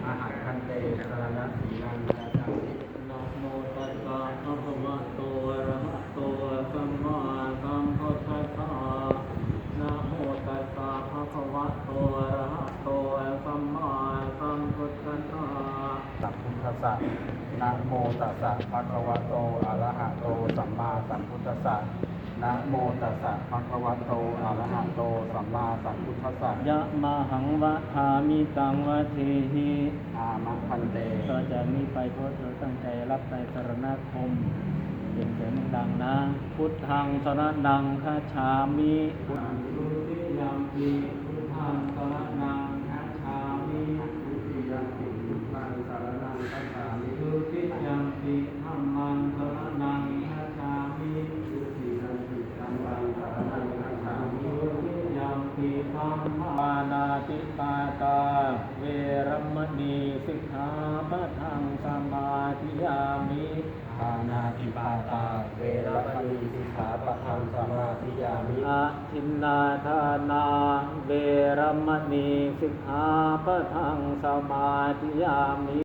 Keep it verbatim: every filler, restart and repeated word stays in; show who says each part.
Speaker 1: อาหารคันเตสรณะสีลังกาจามินะโมตัสสะภะคะวะโตอะระหะโตสัมมาสัมพุทธัสสะนะโมตัสสะภะคะวะโตอะระหะโตสัมมาสัมพุทธัสสะสัมพุทธัสสะนะโมตัสสะภะคะวะโตอะระหะโตสัมมาสัมพุทธัสสะนะโมตัสสะภะคะวะโตอะระหะโตสัมมาสัมพุทธัสสะยะมาหังวะทามิตังวะเทหิอามะพันเตต่อจากนี้ไปขอเธอตั้งใจรับในสรณคมเสียงเสียงดังนะพุทธังสรณังคัจฉามิพุทธังทุติยัมปิพุทธังสรณังคัจฉามิทุติยัมปิพุทธังสรณังคัจฉามิทุติยัมปิธัมมังสรณังคัจฉามิทุติยัมปิธัมมังสรณังคัจฉามิทุติยัมปิธัมมานาติปาตาเวรมณีสิกขาปะทังสมาธิยามิปานาติปาตาเวรมณีสิกขาปะทังสมาธิยามิอะทินนาทานาเวรมณีสิกขาปะทังสมาธิยามิ